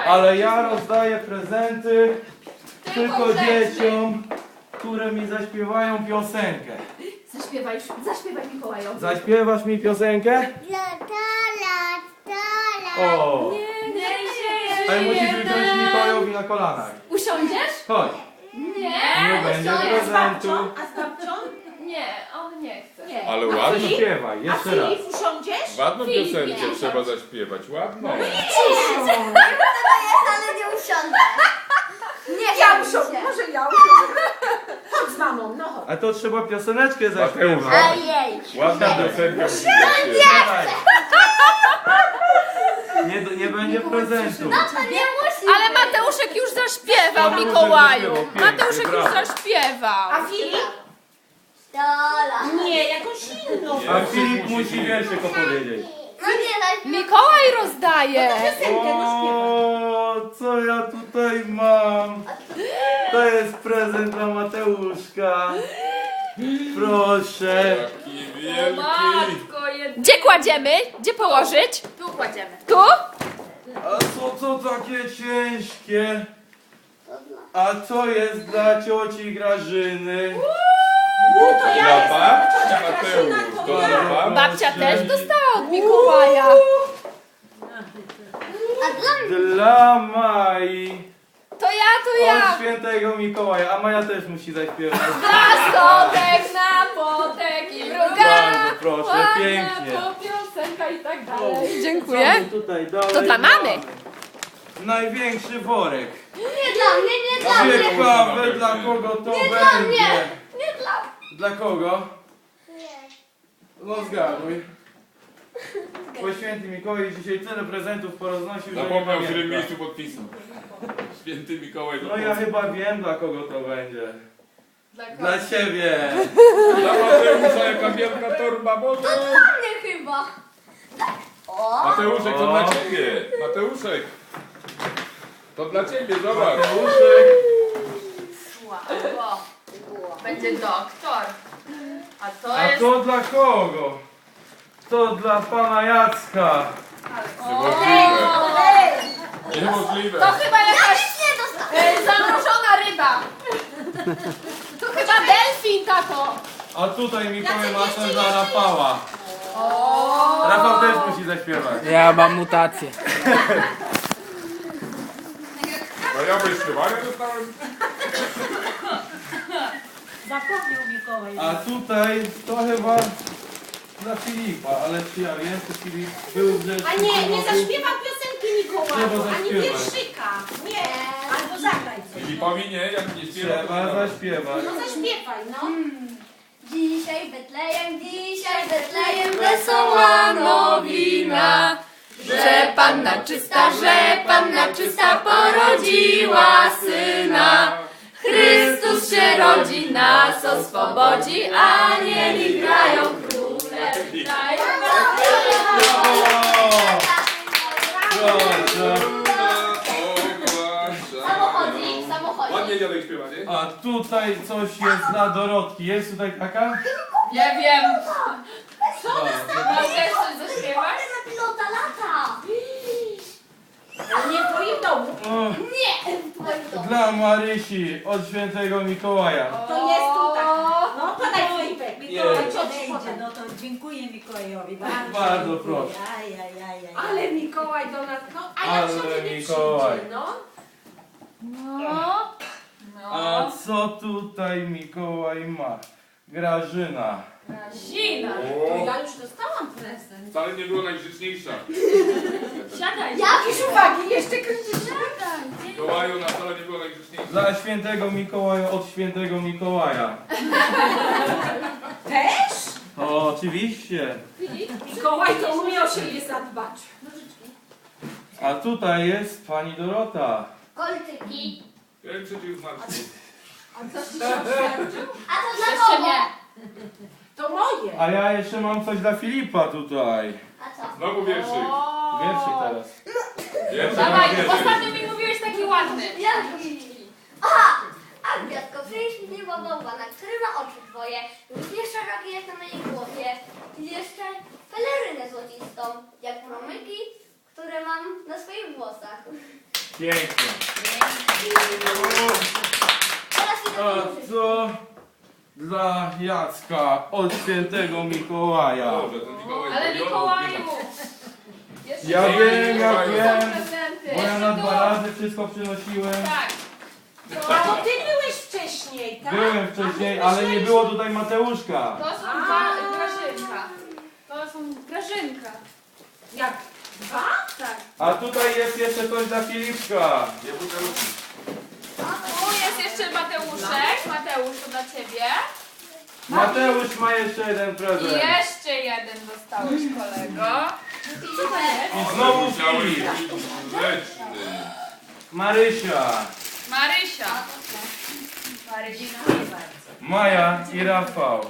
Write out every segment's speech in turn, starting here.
Ale ja rozdaję prezenty tylko dzieciom, które mi zaśpiewają piosenkę. Zaśpiewaj Mikołajowi. Zaśpiewasz mi piosenkę? O! Ale musisz usiąść Mikołajowi na kolanach. Usiądziesz? Chodź. Nie. Nie będzie prezentu. A z babcią? Nie, on nie chce. Nie. Ale ładną, Zaśpiewaj, A jeszcze raz. Filip usiądziesz? ładną Filip, piosenkę nie. trzeba zaśpiewać, ładną. Ale nie usiądę. Nie Ja chciałam usiądę, się. może ja usiądę. Chodź z mamą, no chodź. A to trzeba pioseneczkę Mateusz, zaśpiewać. Ojej. ładna piosenka. Dawaj. Nie będzie prezentu. To nie musi Ale być. Mateuszek już zaśpiewał, Mateuszek Mikołaju. zaśpiewał, Mateuszek pięknie, już brawo. zaśpiewał. A Filip? Dola. Nie, jakąś inną. A Filip musi wierszyk opowiedzieć. No nie, Mikołaj rozdaje. Piosenkę, no śpiewaj. O, co ja tutaj mam? To jest prezent dla Mateuszka. Proszę. Jaki wielki. Gdzie kładziemy? Gdzie położyć? Tu kładziemy. Tu? A co to takie ciężkie? A co jest dla cioci Grażyny? Dla babci Mateusz, to dla babci. Babcia też dostała od Mikołaja. A dla mnie. Dla Mai. To ja. Od świętego Mikołaja. A Maja też musi zaśpiewać. Nastotek, napotek i druga. Bardzo proszę, ładna pięknie. piosenka i tak dalej. Dziękuję. Co my tutaj dalej To dla mamy. Największy worek. Nie dla mnie, nie dla mnie. Ciekawe dla kogo to Nie dla będzie. mnie. Nie dla Dla kogo? mnie. No zgaduj. Bo święty Mikołaj dzisiaj tyle prezentów poroznosił, że nie Zapomniał, w którym pamięta. miejscu podpisał. Święty Mikołaj. No ja chyba wiem dla kogo to będzie. Dla kogo? Dla ciebie. Dla Mateusza jaka wielka torba, Boże. Dla mnie chyba. O. Mateuszek, to O. dla ciebie. Mateuszek. To dla ciebie, zobacz. Mateuszek. Wow. Będzie doktor. A to A jest... to dla kogo? To dla pana Jacka. Niemożliwe. Niemożliwe. To chyba jakaś Nie dostałem. zamrożona ryba. To chyba delfin, tato. A tutaj Mikołaj ma coś dla Rafała. Rafał też musi zaśpiewać. Ja mam mutację. No ja wyśpiewanie dostałem. Zapomniał Mikołaj. A tutaj to chyba dla Filipa, ale czy ja wiem, czy Filip był w rzeczy. A nie zaśpiewam piosenki Mikołaju, Trzeba ani zaśpiewać. wierszyka. Nie, albo zagraj coś. Filipowi nie, jak nie śpiewa. to Trzeba nie. zaśpiewać. No zaśpiewaj, no. Dzisiaj Betlejem, wesoła nowina. Że panna czysta porodziła syna. Chrystus się rodzi, nas oswobodzi, anieli grają, króle witają. Proszę. Samochodzik. Ładnie dziadek śpiewa, nie? A tutaj coś jest dla Dorotki. Jest tutaj taka? Nie wiem. Mam też coś zaśpiewać? Na pilota lata. Ale nie w twoim domu. O, Nie. w twoim domu. dla Marysi od świętego Mikołaja. To jest tutaj. No podaj Filipek. Mikołaj, Jest. cioci podaj. No to dziękuję Mikołajowi. Bardzo dziękuję. proszę. Aj. Ale Mikołaj do nas, no a jak Ale się kiedy Mikołaj. przyjdzie, no? No. A co tutaj Mikołaj ma? Grażyna. Zina. To ja już dostałam prezent. Wcale nie była najgrzeczniejsza. Siadaj. Jakieś uwagi jeszcze kręcisz? Mikołaju na wcale nie była najgrzeczniejsza. Dla świętego Mikołaja od świętego Mikołaja. Też? O, oczywiście. Mikołaj to umie o siebie zadbać. A tutaj jest pani Dorota. Kolczyki. Ja przecież zmarł. A to dla Jeszcze kogo? nie. To moje. A ja jeszcze mam coś dla Filipa tutaj. A co? Znowu wierszyk. Wierszyk teraz. Wierszyk, Dawaj, wierszyk. ostatnio mi mówiłeś taki ładny. Jaki? Aha! A gwiazdko, przynieś mi niebogąba, na który ma oczy twoje. Różnie szerokie jak na mojej głowie. I jeszcze pelerynę złocistą, jak promyki, które mam na swoich włosach. Pięknie. Teraz idę A położyć. co dla Jacka od świętego Mikołaja? Dobrze, to Mikołaj Ale zrobiony. Mikołaju! Jeszcze Ja nie wiem, ja są wiem. prezenty. Bo ja Jeszcze na tu. 2 razy wszystko przynosiłem. Tak. A to ty byłeś wcześniej, tak? Byłem wcześniej, ale nie było tutaj Mateuszka. To są Grażynka. To są Grażynka. Jak? Dwa? Tak. A tutaj jest jeszcze coś dla Filipka. Nie butelki. Tu jest jeszcze Mateuszek. Mateusz, to dla ciebie. Mateusz ma jeszcze jeden I prezent. jeszcze jeden dostałeś, kolego. I znowu Musiałeś Filip. być grzeczny. Marysia, Marysia. Marysia. Maja i Rafał.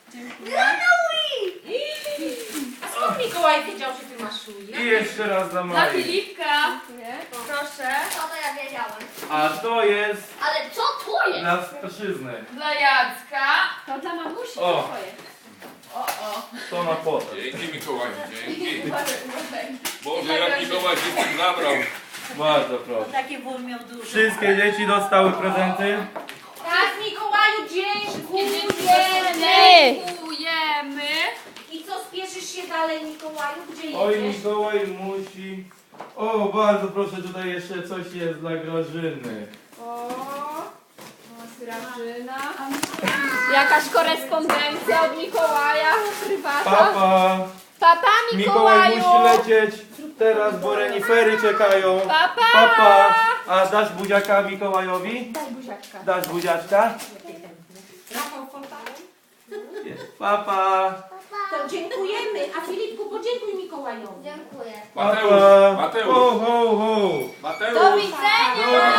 A skąd Mikołaj wiedział, że ty masz I szuję? jeszcze raz dla Dla Mai. Filipka. Proszę. Co to ja wiedziałem. A to jest Ale co to jest? dla Staszyzny. Dla Jacka. To dla mamusi O. twoje. To na potem. Dzięki Mikołaju, dzięki. Uważaj. Boże, jak Mikołaj się z tym zabrał. Bardzo proszę. Takie wór miał dużo. Wszystkie dzieci dostały prezenty. Tak, Mikołaju, dziękujemy! Dziękujemy. I co, spieszysz się dalej, Mikołaju? Gdzie Oj, jedziesz? Mikołaj musi... O, bardzo proszę, tutaj jeszcze coś jest dla Grażyny. O, Grażyna. Jakaś korespondencja od Mikołaja, prywata. Papa, Papa Mikołaj Mikołaju. musi lecieć teraz, bo renifery czekają. Papa. Papa, a dasz buziaka Mikołajowi? Daj buziaczka. Dasz buziaczka? Rafał Fontana? Papa. To dziękujemy. A Filipku, podziękuj Mikołajowi. Dziękuję. Mateusz, Papa. Mateusz. Ho, ho, ho. Mateusz. Do widzenia. Do